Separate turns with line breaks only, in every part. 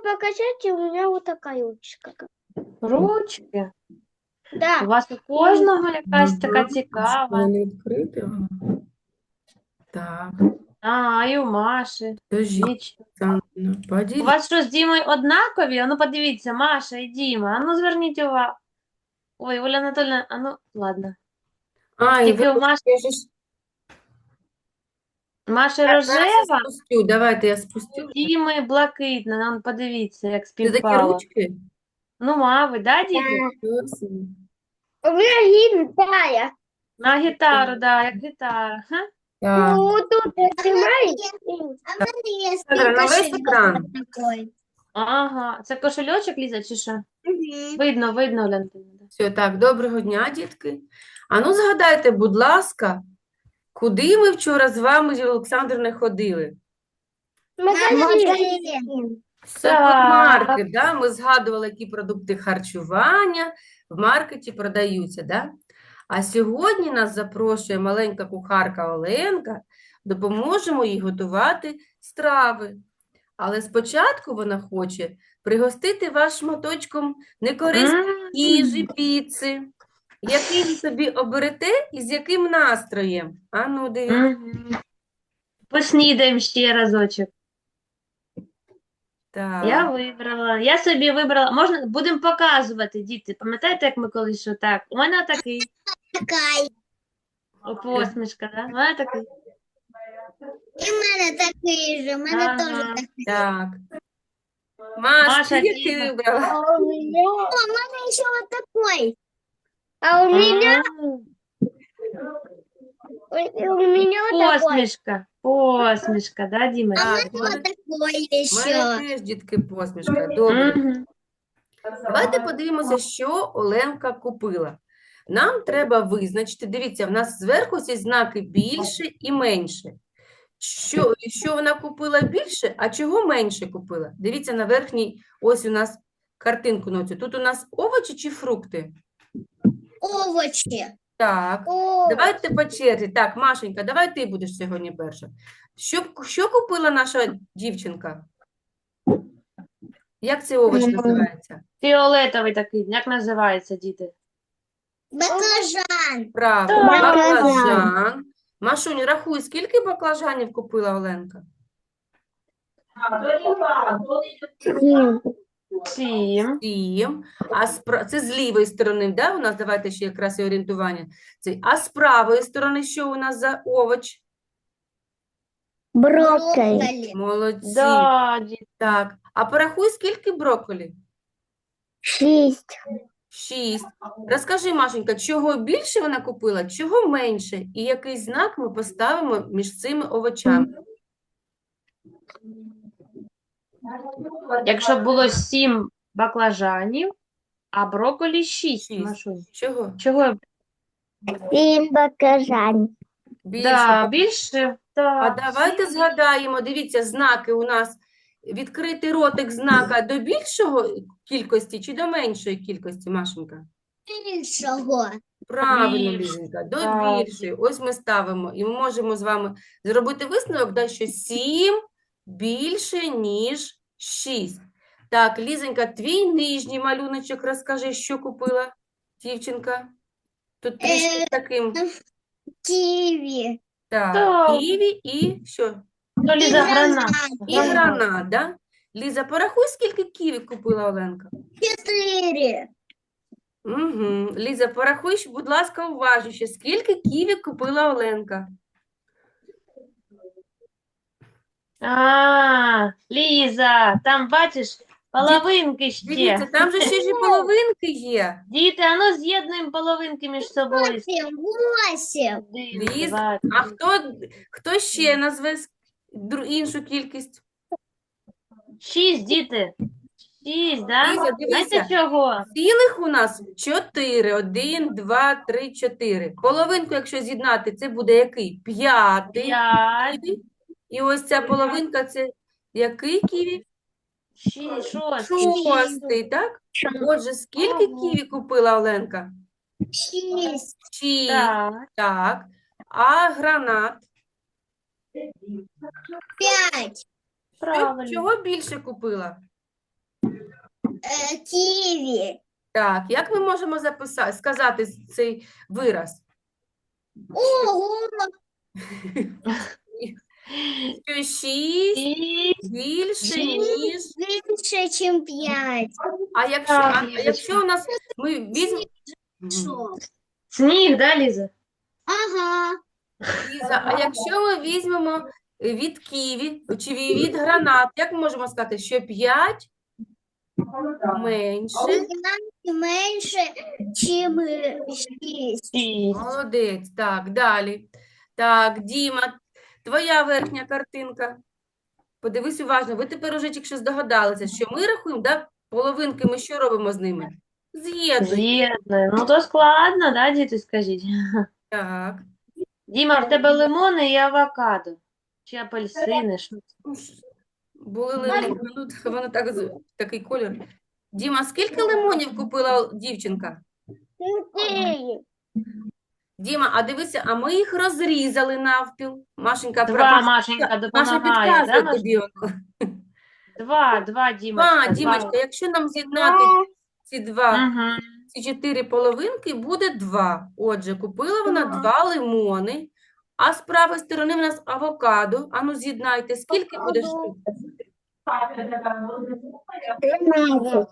покачать, и у меня вот такая ручка.
Ручки. У
Да.
вас у кожного якась така цікава.
Вони відкриті. Так,
А, і у Маші.
скажіть,
Віч.
Оксана,
У
поділіть.
вас що з Дімою однакові? А ну подивіться, Маша і Діма. А ну зверніть увагу. Ой, Оля Анатольевна, а ну, ладно.
А, і
Тільки у Маші,
я же ж...
Маші
Зараз я
рожева,
спустю, давайте я спустю.
Діми блакитна. Ну, подивіться, як
Це такі
співпало.
ручки?
Ну, мабуть, да, діти?
Красиво.
У меня гитара.
На гітару, да, як гітара. Ха?
Так,
Ну, тут нажимаешь.
А в мене є
Сандра, на весь
кошельок
екран.
такий.
Ага, це кошельочок, Ліза, чи що? Видно, видно, Оля Анатольевна.
все, так, доброго дня, дітки. А ну згадайте, будь ласка, куди ми вчора з вами, Олександр, не ходили?
Магазин.
Супермаркет, да? Ми згадували, які продукти харчування в маркеті продаються, да? А сьогодні нас запрошує маленька кухарка Оленка, допоможемо їй готувати страви. Але спочатку вона хоче пригостити вас шматочком некорисної їжі, піци. Який ви собі оберете і з яким настроєм? А ну, дивіться.
Мгм. Поснідаємо ще разочок.
Так.
Я собі вибрала, можна, будемо показувати, діти. Пам'ятаєте, як ми колись що так? У мене такий,
Така.
посмішка, да? У мене такий.
І в мене такий же, в мене
Ага.
теж такий.
Так. Маш,
Маша,
ти який
Діма.
вибрала?
А у меня,
О, в мене ще от такий.
а у меня,
А,
у меня вот такой.
посмішка, посмішка, да, Діма?
Так,
Ось такий
в мене
ще.
теж, дітки, посмішка. Добре.
Мгм.
Давайте подивимося, що Оленка купила. Нам треба визначити, дивіться, в нас зверху ці знаки більше і менше. Що вона купила більше, а чого менше купила? Дивіться на верхній, ось у нас картинку на цю. Тут у нас овочі чи фрукти?
Овочі.
Так.
О,
Давайте по черзі. Так, Машенька, давай ти будеш сьогодні перша. Що купила наша дівчинка? Як цей овоч називається?
Фіолетовий такий, як називається, діти?
Баклажан.
Правильно,
Так.
баклажан. Машунь, рахуй, скільки баклажанів купила Оленка?
7.
7. Це з лівої сторони, да? У нас, давайте ще якраз і орієнтування. А з правої сторони що у нас за овоч?
Брокколі.
Молодці.
Да, діти.
Так, а порахуй, скільки брокколі?
6.
6. Розкажи, Машенька, чого більше вона купила, чого менше? І який знак ми поставимо між цими овочами?
Якщо було 7 баклажанів, а брокколі 6,
Шість.
Машунь.
Чого?
Чого?
7 баклажан.
Більше.
Да, більше.
А
Так.
давайте згадаємо, дивіться, знаки у нас. Відкритий ротик знака до більшого кількості чи до меншої кількості, Машенька?
Більшого.
Правильно,
Більше.
Лізенька, до
Так.
більшої. Ось ми ставимо. І ми можемо з вами зробити висновок, да, що 7 більше, ніж 6. Так, Лізенька, твій нижній малюночок, розкажи, що купила дівчинка? Тут трішки таким.
Ківі.
Так,
Так.
ківі і що?
Ну, Ліза, гранат.
І гранат, да? Ліза, порахуй, скільки ківі купила Оленка.
4.
Угу. Ліза, порахуй, будь ласка, уважніше, скільки ківі купила Оленка.
А, Ліза, там бачиш половинки
Дивіться,
ще.
там же ще ж і половинки є.
Діти, а ну з'єднуємо половинки між собою.
8.
1,
Ліз,
2,
а хто ще назве іншу кількість?
6, діти. 6, да?
Ліза, дивися.
Знаєте чого?
Цілих у нас 4. 1, 2, 3, 4. Половинку, якщо з'єднати, це буде який? 5.
5,
І ось ця половинка, це який ківі?
6, 6.
6, так? Отже, скільки
Ага.
ківі купила Оленка?
6.
6,
Так.
так. А гранат?
5.
Правильно.
Чого більше купила?
Ківі.
Так, як ми можемо сказати цей вираз?
Ого,
Що 6
І
більше, ніж...
більше, ніж 5.
А якщо,
Так,
а
Лізочка.
якщо у нас... Ми візьмемо...
Що?
сніг, да, Ліза?
Ага.
Ліза, а якщо ми візьмемо від ківі чи від гранат, як ми можемо сказати, що 5 менше?
Менше, ніж 6.
Шість.
Молодець. Так, далі. Так, Діма, твоя верхня картинка. Подивись уважно. Ви тепер уже тільки що здогадалися, що ми рахуємо, да? Половинки ми що робимо з ними? З'єднуємо.
З'єднуємо. Ну, то складно, да, діти, скажіть?
Так.
Діма, в тебе лимони і авокадо. Чи апельсини, що це?
Ну, були лимони, ну, воно так, такий колір. Діма, скільки лимонів купила дівчинка?
4.
Діма, а дивися, а ми їх розрізали навпіл. Машенька,
Два, Машенька,
Маша
допомагає, да,
підказує
Маш?
тобі. воно.
Два, Дімочка,
Дімочка, якщо нам з'єднати ці
Угу.
ці 4 половинки, буде 2. Отже, купила вона 2 лимони, а з правої сторони в нас авокадо. Ану, з'єднайте, скільки буде штук?
13.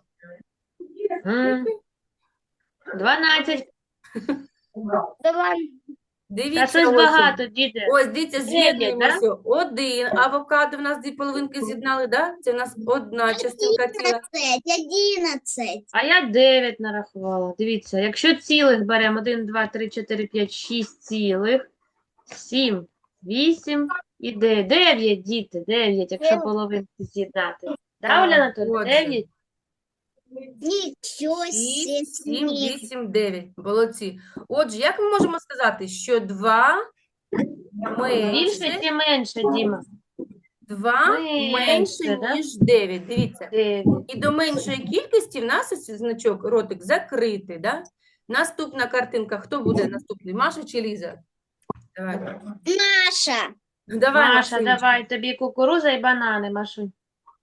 12.
2.
Та
Дивіться,
щось
ось.
багато, діти.
Ось, дивіться,
Дев'ять,
з'єднуємося. 1 авокадо в нас 2 половинки з'єднали, да? Це в нас одна частинка ціла.
11.
А я 9 нарахувала. Дивіться, якщо цілих беремо 1, 2, 3, 4, 5, 6 цілих, 7, 8 і 9. 9, діти, 9, якщо половинки з'єднати. Да, Оля Анатольевна?
отже.
9?
Нічого
6, 7,
собі.
8, 9. Молодці. Отже, як ми можемо сказати, що 2
Більше
менше,
чи менше, Діма?
2
Менше,
менше,
да?
ніж 9. Дивіться.
9.
І до меншої кількості в нас ось значок, ротик закритий, да? Наступна картинка. Хто буде наступний? Маша чи Ліза? Давай.
Наша.
Давай,
Маша,
Машунечка.
давай, тобі кукуруза і банани, Машунь.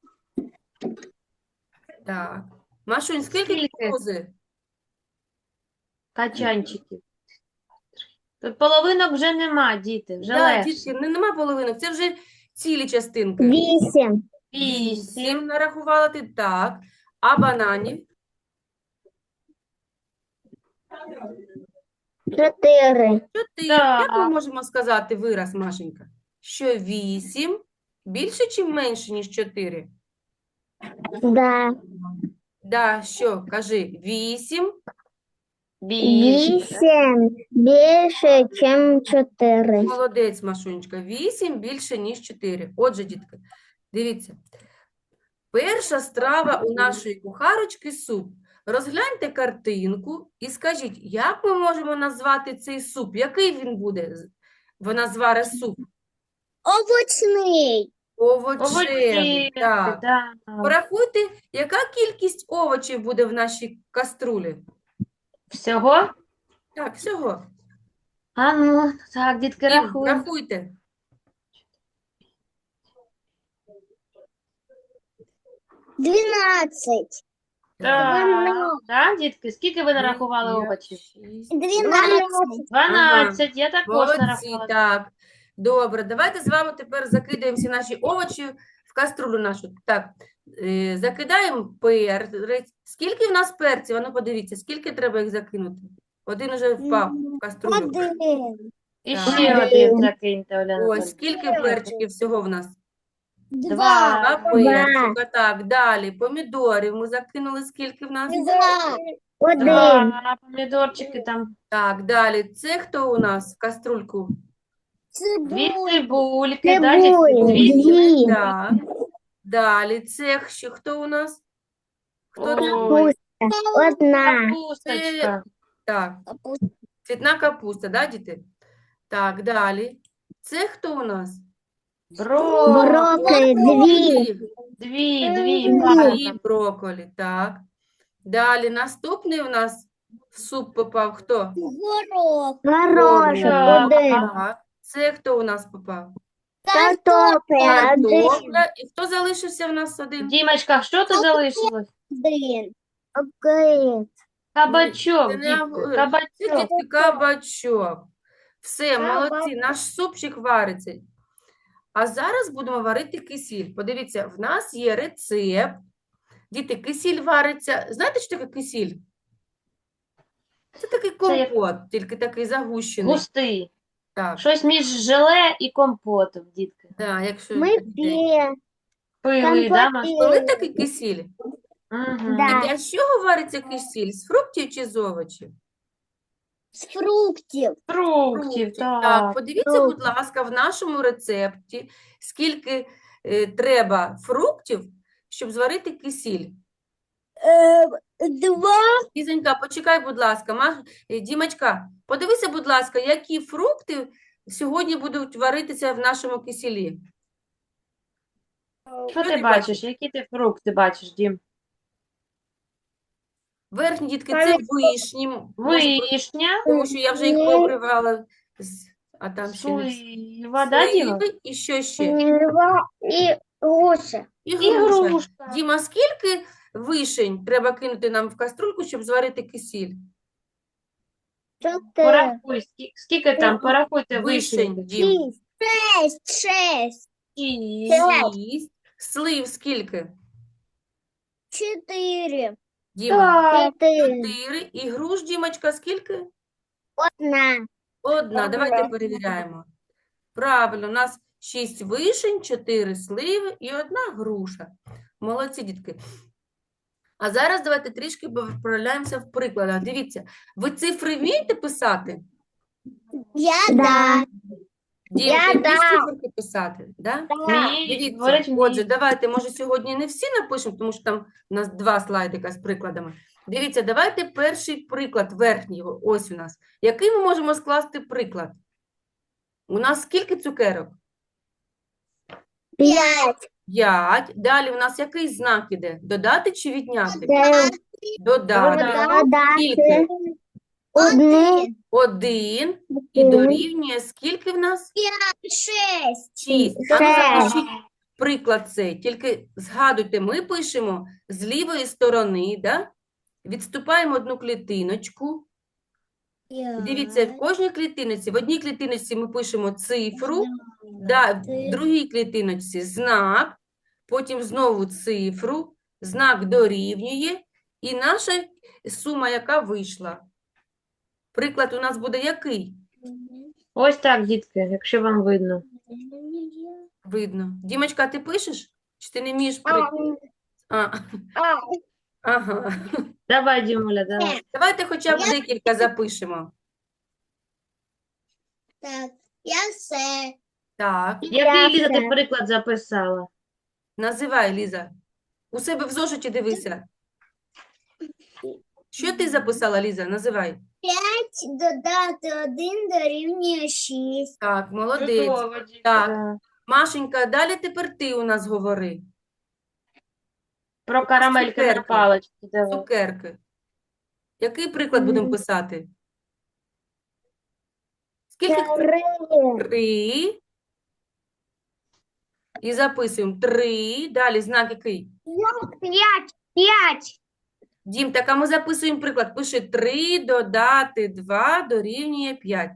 Так. Машунь, скільки
Скільки?
кукурузи?
Качанчиків. Тут половинок вже нема, діти, вже
Да,
легше.
дітки, нема половинок, це вже цілі частинки.
8.
8.
Нарахувала ти, так. А бананів?
4.
4.
Так.
Як ми можемо сказати вираз, Машенька? Що 8 більше чи менше, ніж 4?
Да.
Да, що? Кажи, 8
Більше.
8 більше, ніж 4.
Молодець, Машунечка. 8 більше, ніж 4. Отже, дітки, дивіться. Перша страва у нашої кухарочки – суп. Розгляньте картинку і скажіть, як ми можемо назвати цей суп? Який він буде? Вона зварить суп.
Овочний.
Овочевий.
Овочі.
Так.
Да.
Порахуйте, яка кількість овочів буде в нашій каструлі?
Всього?
Так, всього.
А ну, так, дітки,
Дім,
рахуємо.
рахуйте.
12.
Так, да, дітки, скільки ви нарахували овочів?
12.
12, я також
Молодці,
нарахувала.
так. Добре, давайте з вами тепер закидаємо всі наші овочі в каструлю нашу. Так, закидаємо перець. Скільки в нас перців? Ану, подивіться, скільки треба їх закинути? Один уже впав в каструлю.
1.
І
Так.
ще один закиньте, Оля
Ось,
Анатольевна.
скільки перчиків всього в нас?
2.
Два перчика, так, далі. Помідорів ми закинули, скільки в нас?
2.
1.
Два помідорчики там.
Так, далі. Це хто у нас в каструльку?
Дві
Цибуль.
цибульки, да, дітки?
Цибулі.
Дві.
2.
Так. Далі. Це ще хто у нас? Хто це?
Ой,
1.
капусточка.
Так, цвітна капуста, да, діти? Так, далі. Це хто у нас?
Брокколі. 2.
Дві,
І
правильно.
брокколі, так. Далі. Наступний у нас в суп попав хто?
Горох.
Горошок.
Так.
1.
Так. Це хто у нас попав?
Картопля.
Картопля. І хто залишився в нас один?
Дімочка, що тут залишилось?
Один.
Огурец.
Кабачок,
Це не
дітки,
огурець, це,
кабачок.
дітки, кабачок. Все,
Кабачок.
молодці, наш супчик вариться. А зараз будемо варити кисіль. Подивіться, в нас є рецепт. Діти, кисіль вариться. Знаєте, що таке кисіль? Це такий
як-
компот, тільки такий загущений.
Густий.
Так,
Щось між желе і компотом, дітки.
да, якщо
Мы
дітей.
Пили, да, Маш?
Коли такий кисіль?
Угу.
Да.
Діти, а з чого вариться кисіль? З фруктів чи з овочів?
З фруктів.
Фруктів,
Так,
так.
подивіться, будь ласка, в нашому рецепті, скільки треба фруктів, щоб зварити кисіль.
Два.
Лізонька, почекай, будь ласка. Дімочка, подивися, будь ласка, які фрукти сьогодні будуть варитися в нашому кисілі.
Що ти бачиш? Які ти фрукти бачиш, Дім?
Верхні дітки це вишні,
Вишня,
тому що я вже їх пообривала, а там ще не всі.
слива, да, Діма?
Сливи і що ще?
И груша.
І
І
груша.
грушка.
Діма, скільки вишень треба кинути нам в каструльку, щоб зварити кисіль?
4.
Порахуй, скільки там, порахуйте
Вишень,
вишень.
Дім.
6.
6. Слив скільки?
4.
Діма,
Так,
4. І груш, Дімочка, скільки?
1.
Одна. Давайте перевіряємо. Правильно, у нас 6 вишень, 4 сливи і 1 груша. Молодці, дітки. А зараз давайте трішки вправляємося в прикладах. Дивіться, ви цифри вмієте писати?
Я
Да.
Дім,
Я
ти вмієш
да.
циферки писати? Да?
вміють,
Дивіться,
говорять,
отже,
вміють.
давайте, може, сьогодні не всі напишемо, тому що там у нас 2 слайдика з прикладами. Дивіться, давайте перший приклад, верхній, ось у нас. Який ми можемо скласти приклад? У нас скільки цукерок?
5.
5. Далі у нас який знак іде? Додати чи відняти?
9.
Додати. Скільки?
1.
1. І дорівнює скільки в нас?
6.
6. А ну
Шесть.
запишіть приклад цей. Тільки згадуйте, ми пишемо з лівої сторони, да? Відступаємо одну клітиночку. Дивіться, в кожній клітиночці, в одній клітиночці ми пишемо цифру, да, в другій клітиночці знак, потім знову цифру, знак дорівнює, і наша сума, яка вийшла. Приклад у нас буде який?
Ось так, дітки, якщо вам видно.
Видно. Дімочка, ти пишеш? Чи ти не вмієш приклад? Ага.
Давай, Дімуля, давай.
Давайте хоча б декілька запишемо.
Так, я все.
Так,
Який, Ліза, ти
все.
приклад записала?
називай, Ліза. У себе в зошиті дивися. Що ти записала, Ліза? Називай.
5 додати 1 дорівнює 6.
Так, молодець.
Чудово, дітки,
Так.
да.
Машенька, далі тепер ти у нас говори.
Про карамельки на
Цукерки.
паличці, давай.
Цукерки. Який приклад будемо писати? Скільки? 3. І записуємо. 3. Далі знак який?
5.
Дім, так а ми записуємо приклад. Пиши 3 додати 2 дорівнює 5.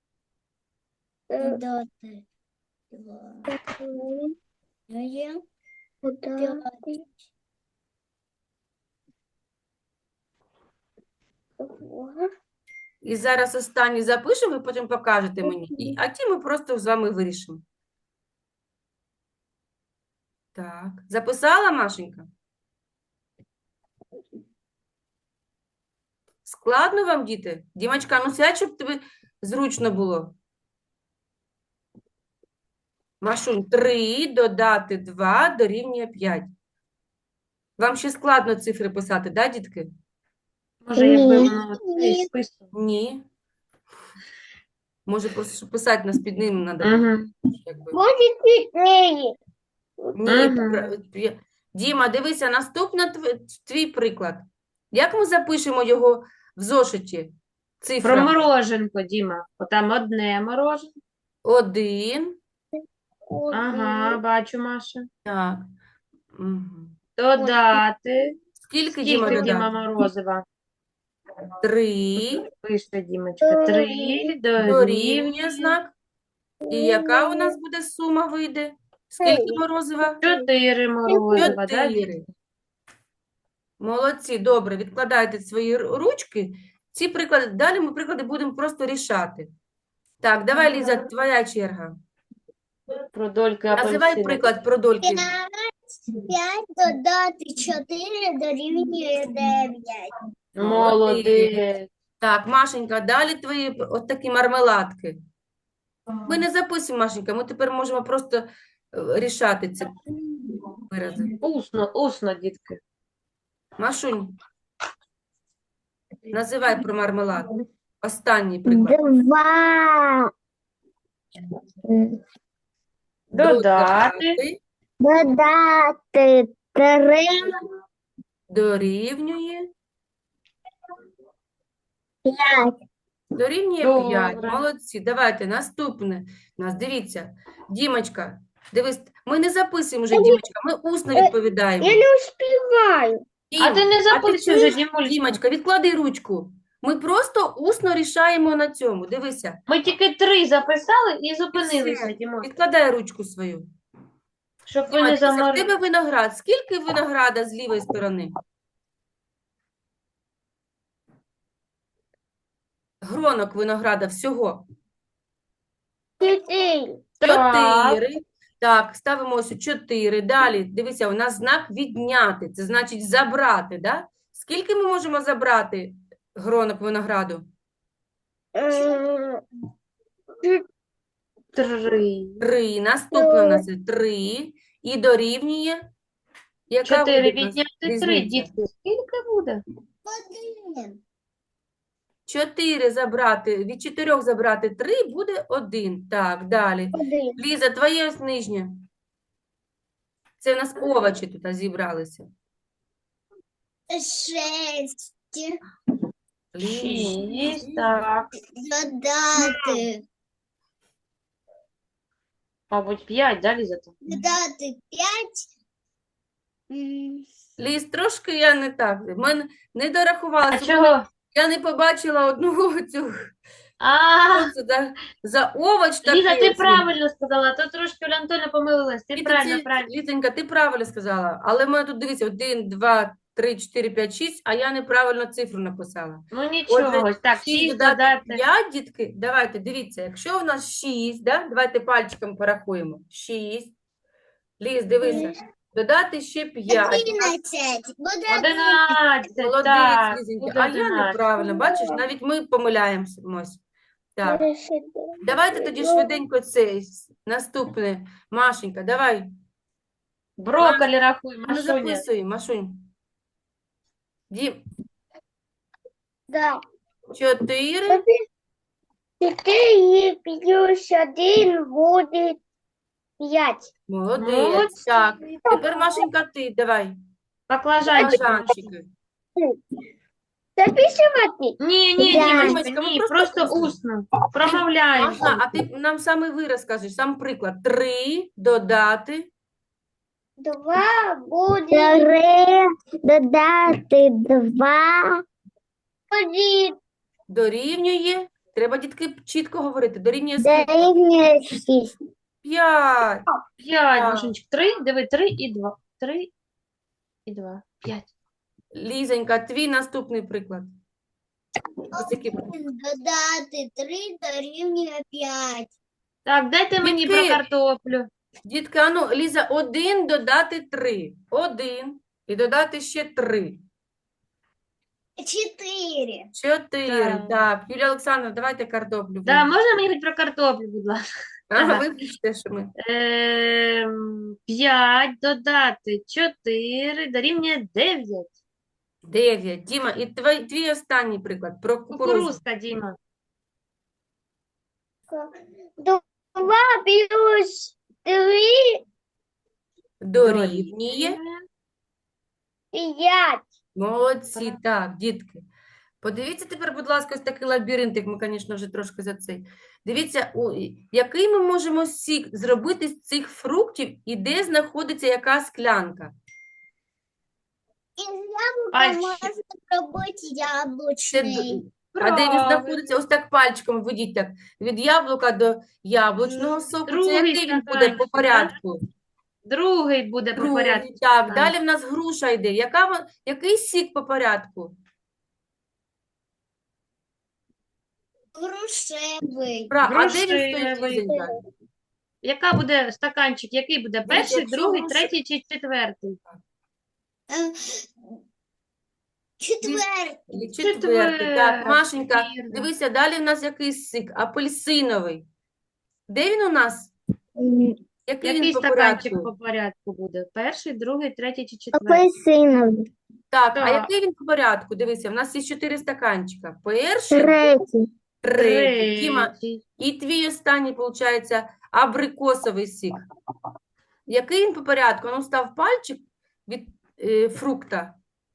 Додати 2 дорівнює 5.
І зараз останній запишемо, ви потім покажете мені. А ті ми просто з вами вирішимо. Так. Записала, Машенька? Складно вам, діти? Дімочка, ну сядь, щоб тобі зручно було. Машунь, 3 додати 2 дорівнює 5. Вам ще складно цифри писати, да, дітки?
Може, якби
Ні.
воно цей список.
Ні. Може, просто щоб писати нас під ним треба.
Угу.
Якби.
Будет 4.
Ні,
Ага.
Діма, дивися, наступний твій приклад. Як ми запишемо його в зошиті?
Про
Цифра
мороженко, Діма. Отам одне мороженко.
1,
Ага, бачу, Маша.
Так. Мгм.
Додати.
Скільки, Діма,
Скільки, Діма,
додати?
морозива?
3
Пише, Дімочка. 3
дорівнює
дорівнює
знак. І яка у нас буде сума вийде? Скільки морозива?
4 морозива, да,
4.
дітки?
Молодці, добре, відкладайте свої ручки. Ці приклади, далі ми приклади будемо просто рішати. Так, давай, Ліза, твоя черга.
Про дольки
Називай
апельсина.
приклад про дольки.
5 додати 4 дорівнює 9.
Молодець.
Так, Машенька, далі твої от такі мармеладки. Ми не записуємо, Машенька, ми тепер можемо просто рішати ці вирази.
Усно, дітки.
Машунь, називай про мармелад. Останній приклад.
2.
Додати.
Додати 3.
Дорівнює.
5.
Дорівнює 5.
Добре.
Молодці. Давайте наступне. Нас дивіться. Дімочка, дивись, ми не записуємо вже, Дімочка, ми усно відповідаємо.
Я не успіваю.
А ти не записуй вже,
чуєш,
Дімуль.
Дімочка, відклади ручку. Ми просто усно рішаємо на цьому. Дивися.
Ми тільки 3 записали і
Все.
зупинилися, Дімо.
Відкладай ручку свою.
Щоб ви
Діма,
не
дивися, в
заморили.
тебе виноград. Скільки винограда з лівої сторони? Гронок винограда всього.
4.
Так.
4. Так, ставимо ось 4. Далі, дивися, у нас знак відняти. Це значить забрати, да? Скільки ми можемо забрати гронок винограду?
3.
3. Наступне у нас 3. І дорівнює. Яка
4
буде у нас
відняти 3,
різниця?
дітки. Скільки буде?
1.
4 забрати, від 4 забрати 3 буде 1. Так, далі.
1.
Ліза, твоє ось нижнє. Це у нас овочі тут зібралися.
6
6, так.
додати.
Мабуть, 5, да, Ліза?
Додати 5.
Ліз, трошки я не так. Ми не дорахувала.
А чого?
Я не побачила одного цього.
А,
Що це за овоч такий?
Ліза, ти
ось він?
правильно сказала, то трошки Оля Антоня помилилась. Ти
Ліза,
правильно,
ти-
правильно.
Лізонька, ти правильно сказала. Але в мене тут, дивіться, 1, 2, 3, 4, 5, 6, а я неправильно цифру написала.
Ну нічого, ось так,
6
6
додати
додати.
5, дітки, давайте, дивіться, якщо в нас 6, да? Давайте пальчиком порахуємо. 6. Ліз, дивися. Додати ще 5.
11. Буде
11,
Молодець,
так,
Лізонька.
буде
А я
11.
неправильно, бачиш, навіть ми помиляємося. Так, давайте тоді швиденько це наступне. Машенька, давай.
Брокколі рахуй,
Ну,
Машуня.
записуй, Машунь. Дім,
Да.
4.
4 плюс 1 буде 5.
Молодець.
Молодці.
Так, тепер, Машенька, ти, давай.
Баклажанчик.
Баклажанчики.
Записувати?
Ні,
Да.
Дімочка,
Дімочка, ми
ні,
просто
просто
усно.
усно. Промовляємо.
Ага, а ти нам саме вираз скажеш, сам приклад. 3 додати.
2 буде 3 додати 2 буде
Дорівнює. Треба, дітки, чітко говорити. Дорівнює скільки?
дорівнює 6.
5.
5,
Так.
Машунчик. 3, диви, 3 і 2. 3 і 2. 5.
Лізонька, твій наступний приклад. Ось такий.
додати 3 дорівнює 5.
Так, дайте мені
Дітки.
про картоплю.
Дітка, а ну, Ліза, 1 додати 3. 1. І додати ще 3.
4.
4.
Так.
Так, Юлія Олександровна, давайте картоплю.
Да, можна мені хоч про картоплю, будь ласка?
Ага, вибачте, що ми.
5 додати 4 дорівнює 9.
9. Діма, і твій останній приклад про кукурудзу.
Кукурузка, Діма.
2 плюс 3
Дорівнює.
5.
Молодці, так, дітки. Подивіться тепер, будь ласка, ось такий лабіринтик, ми, звісно, вже трошки за цей. Дивіться, який ми можемо сік зробити з цих фруктів і де знаходиться яка склянка.
Из яблока
Пальчик.
можно пробовать
Це
яблочный.
А де він
Правильно.
знаходиться? Ось так пальчиком ведіть так. Від яблука до яблучного соку. Це
Другий
який він буде
стаканчик,
по
так?
порядку?
Другий буде по
Другий,
порядку.
так.
стаканчик.
Далі в нас груша йде. Який сік по порядку?
Грушевый.
А де він стоїть,
Грушевий.
Лізенька?
Яка буде стаканчик? Який буде?
Дивіться,
Перший,
якщо
другий,
груша-
третій чи четвертий?
Четвертый.
Четвертий. Так, Машенька,
вірно.
дивися, далі в нас який сік? Апельсиновий. Де він у нас? Який
Який
він по
стаканчик
порядку?
по порядку буде? Перший, другий, третій чи четвертий?
Апельсиновий.
Так, а
Так.
який він по порядку? Дивися, в нас є 4 стаканчика. Перший,
Третій.
третій. Діма,
Третій.
і твій останній, виходить, абрикосовий сік. Який він по порядку? Ну, став пальчик від фрукта.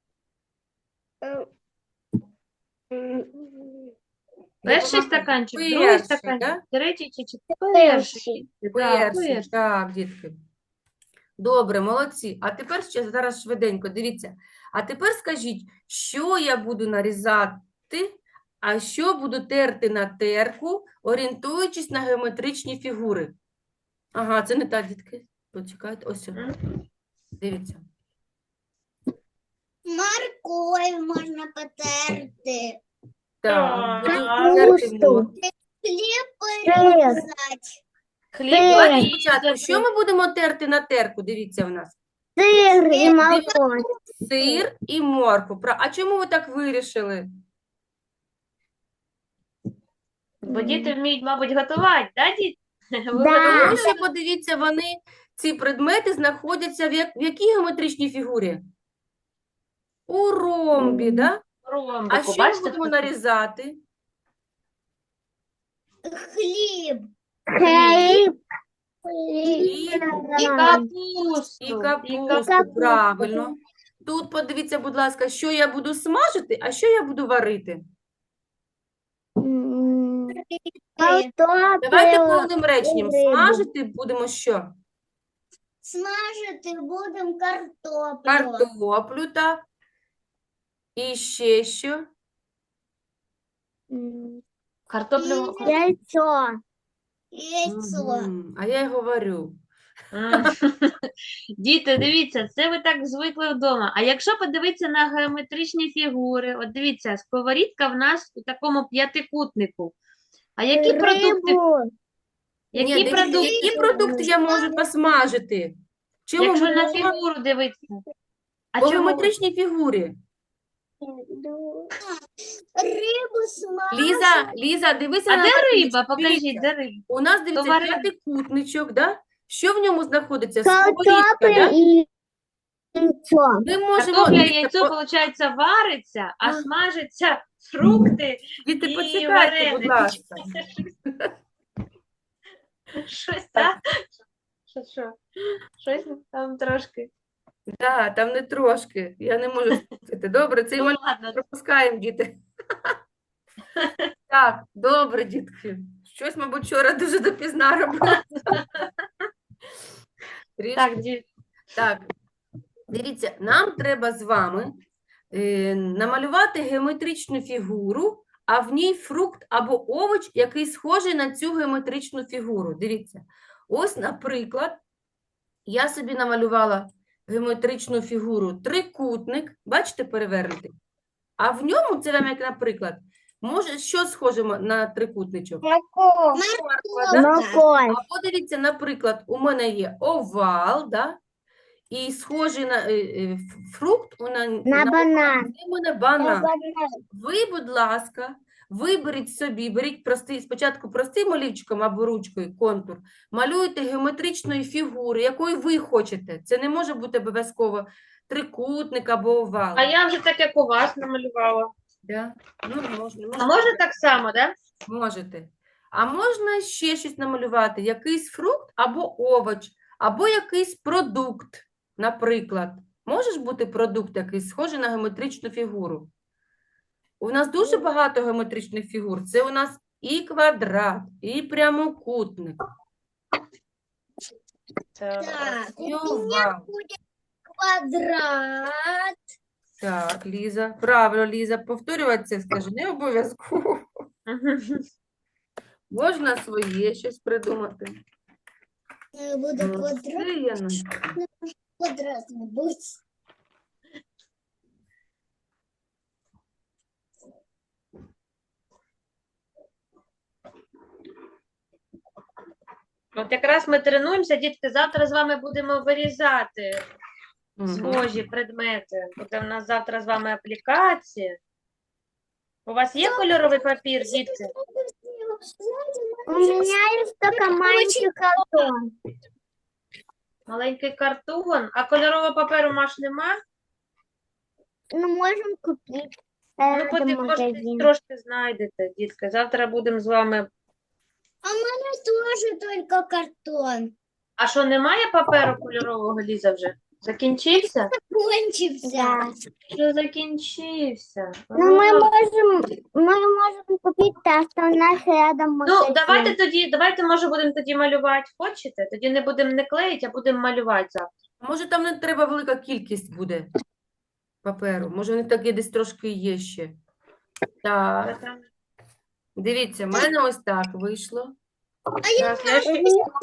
Перший
Допомагай.
стаканчик, другий
Перший,
стаканчик,
да?
третій чи четвертий?
Перший.
Так,
Перший,
перший.
так, дітки. Добре, молодці. А тепер ще зараз швиденько, дивіться. А тепер скажіть, що я буду нарізати, а що буду терти на терку, орієнтуючись на геометричні фігури. Ага, це не так, дітки. Почекайте, ось.
Мгм.
Дивіться.
Морковь можно потерти.
Так, буду
Так.
терти
Капусту.
моркву.
Хлеб
Сыр.
порезать.
Хліб
Давайте
порізати.
спочатку, що ми будемо терти на терку? Дивіться в нас.
Сир і молоко.
Сир і моркву. А чому ви так вирішили?
Бо діти вміють, мабуть, готувати, да, діти? Ви
Да.
готуєте?
Тому що, подивіться, ці предмети знаходяться в якій геометричній фігурі? У ромбі, да? А
Ромбику,
що ми
бачите?
будемо нарізати?
Хлеб.
Хліб.
І
І
капусту.
капусту, правильно. Тут подивіться, будь ласка, що я буду смажити, а що я буду варити. Давайте
Картопля.
повним реченням.
рибу.
Смажити будемо що?
Смажити будемо картоплю.
Картоплю, так. І ще що?
Картоплю.
Яйцо.
Яйцо.
Мгм. А я й говорю.
М. Діти, дивіться, це ви так звикли вдома. А якщо подивитися на геометричні фігури, от дивіться, сковорідка в нас у такому п'ятикутнику. А які продукти,
Рибу.
Ні,
які
дивіться,
продукти,
які продукти я можу посмажити? Чому
якщо на
мова?
фігуру дивитися? А
По
чому?
геометричній фігурі.
Рибу смажити.
Ліза, дивися
А
на
де
табличку.
риба? Покажіть,
Дивіться.
де риба?
У нас, дивіться,
Товари-
п'ятикутничок, да? Що в ньому знаходиться? Сковорідка,
Картопля
да?
і яйцо.
Ми можемо,
Картопля,
дивіться,
яйцо, виходить, вариться, а
А.
смажаться фрукти
діти,
і
почекайте, будь
вареники.
ласка.
Щось так? Що? Щось там трошки.
Да, там не трошки, я не можу спустити. Добре, цей
Ну,
малюнок
ладно.
пропускаємо, діти. Так, добре, дітки. Щось, мабуть, вчора дуже допізна робила. Трішки.
Так, діти.
Так, дивіться, нам треба з вами намалювати геометричну фігуру, а в ній фрукт або овоч, який схожий на цю геометричну фігуру. Дивіться, ось, наприклад, я собі намалювала геометричну фігуру трикутник, бачите, перевернутий, а в ньому, це вам як наприклад, може, що схоже на трикутничок?
Молоко.
Морква, да?
Молоко.
Або дивіться, наприклад, у мене є овал, да? І схожий на фрукт
На банан.
це у мене банан. Ви, будь ласка, виберіть собі, беріть спочатку простим олівчиком або ручкою контур, малюйте геометричної фігури, якої ви хочете. Це не може бути обов'язково трикутник або овал.
А я вже так, як у вас намалювала.
Да? Ну, можна,
А можна так само, да?
Можете. А можна ще щось намалювати, якийсь фрукт або овоч, або якийсь продукт, наприклад. Може ж бути продукт якийсь схожий на геометричну фігуру? У нас дуже багато геометричних фігур. Це у нас і квадрат, і прямокутник.
Так, у меня
Овал.
будет квадрат.
Так, Ліза. Правильно, Ліза. Повторювати це, скажи, не обов'язково. Можна своє щось придумати.
Буде
Ну,
квадрат.
це я не-
Квадрат не будет.
От якраз ми тренуємося, дітки, завтра з вами будемо вирізати
Мгм.
схожі предмети. Буде в нас завтра з вами аплікація. У вас є кольоровий папір, дітки?
У меня есть только маленький картон.
Маленький картон, а кольорового паперу Маш нема?
Ну, можем купить.
Ну,
Это
потім, може, десь
магазин.
трошки знайдете, дітки. Завтра будемо з вами.
А у меня тоже только картон.
А що, немає паперу кольорового, Ліза, вже? Закінчився?
Кончился.
Да.
Що закінчився?
Ну, мы
А.
можем купить то, что у нас рядом
Ну,
магазин.
давайте, може, будемо тоді малювати. Хочете? Тоді не будемо не клеїти, а будемо малювати завтра.
Може, там не треба велика кількість буде паперу. Може, вони такі десь трошки є ще. Так, дивіться, в мене ось так вийшло.
Зараз я ще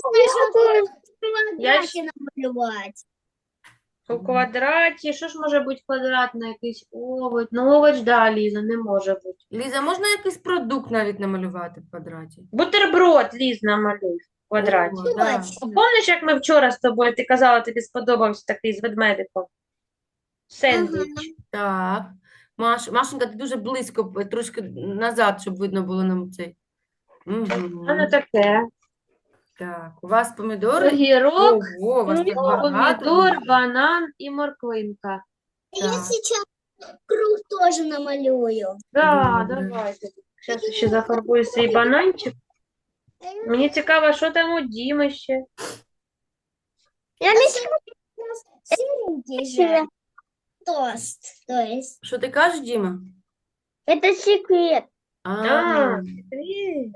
Квадрате намалевать.
у квадраті. Що ж може бути квадратний якийсь овоч? Ну, овоч, да, Ліза, не може бути.
Ліза, можна якийсь продукт навіть намалювати в квадраті?
Бутерброд, Ліз, намалюй в квадраті.
О, да.
Помниш, як ми вчора з тобою, ти казала, тобі сподобався такий з ведмедиком? Сендвіч.
Так. Машенька, ти дуже близько, трошки назад, щоб видно було нам цей.
Воно таке.
Так, у вас помідори?
Огірок,
Ого, у вас так багато.
помідор, банан і морквинка.
Я
Так.
сейчас круг тоже намалюю.
Да,
Добре.
давайте. Зараз ще зафарбую свій бананчик. Мені цікаво, що там у Діми ще.
Я не
Серенький же.
знаю.
Тост, то есть.
Що ти кажеш, Діма?
Это секрет.
А, привіт.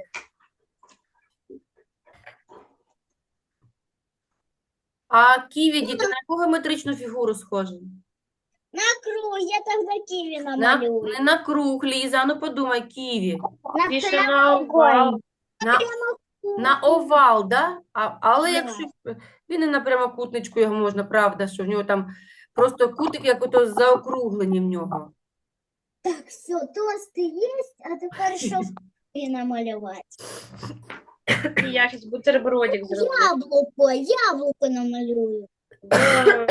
А ківі, діти, на яку геометричну фігуру схожі?
На круг, я тогда киви
На,
намалюю.
не на круг, Ліза, ну подумай, ківі.
На
Більше на овал.
На овал, да? Але
Да.
якщо він і на прямокутничку його можна, правда, що в нього там просто кутик, як ото заокруглені в нього.
Так, все, тосты есть, а теперь что киви намалевать?
І я зараз бутербродик зроблю.
Яблоко намалюю.
Да.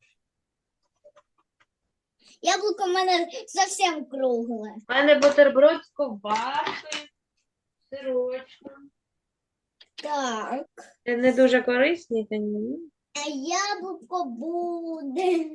Яблоко у мене совсем кругле.
У мене бутерброд з ковбаскою, сирочком.
Так,
Це не дуже корисний, та ні.
а яблуко буде.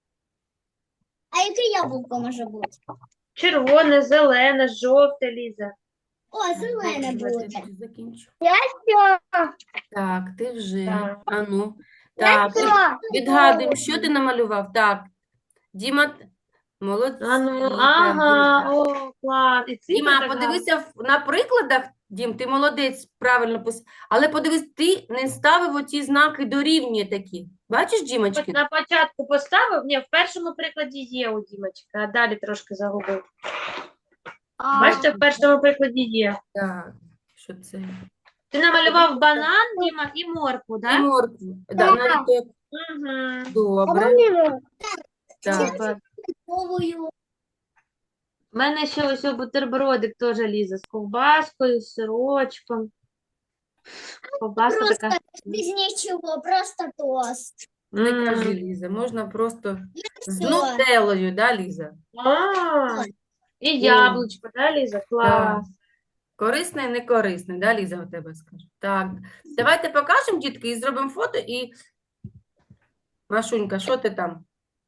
А яке яблуко може бути?
Червоне, зелене, жовте, Ліза.
О, зелене
Давайте
буде.
я закінчу.
Всё.
Так, ти вже.
Так.
А ну. Так,
Всё.
відгадуємо, що ти намалював. Так, Діма, молодці.
А ну,
так,
ага,
так.
о, клас. І цифри
Діма,
так
подивися на прикладах, Дім, ти молодець, правильно але подивись, ти не ставив оці знаки дорівнює такі. Бачиш,
гарно.
Дімочки?
На початку поставив, ні, в першому прикладі є у Дімочка, а далі трошки загубив. Бачите, в першому прикладі є.
Так, що це?
Ти намалював банан, Діма, і моркву,
І
так?
моркву. Да, навіть так.
Угу.
Добре. Так.
Супер.
Новую.
У мене ще ось бутербродик теж Ліза з ковбаскою, з сирочком. Ковбаска
Просто
така.
без ничего, просто тост.
Не
М.
кажи, Ліза, можна просто з
Всё.
нутеллою, да, Ліза?
А, і яблучко, да, Ліза? Клас.
Корисне і не корисне, да, Ліза, у тебе скажу. Так, давайте покажемо, дітки, і зробимо фото, і Машунька, що ти там?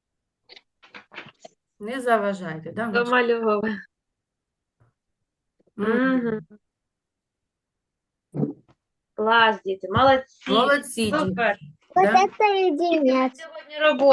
Не заважайте, да, Маш?
Домальовував.
Мгм.
Клас, діти, молодці.
Молодці, діти.
Супер.
Вот
Да?
это единица.
Сьогодні робота.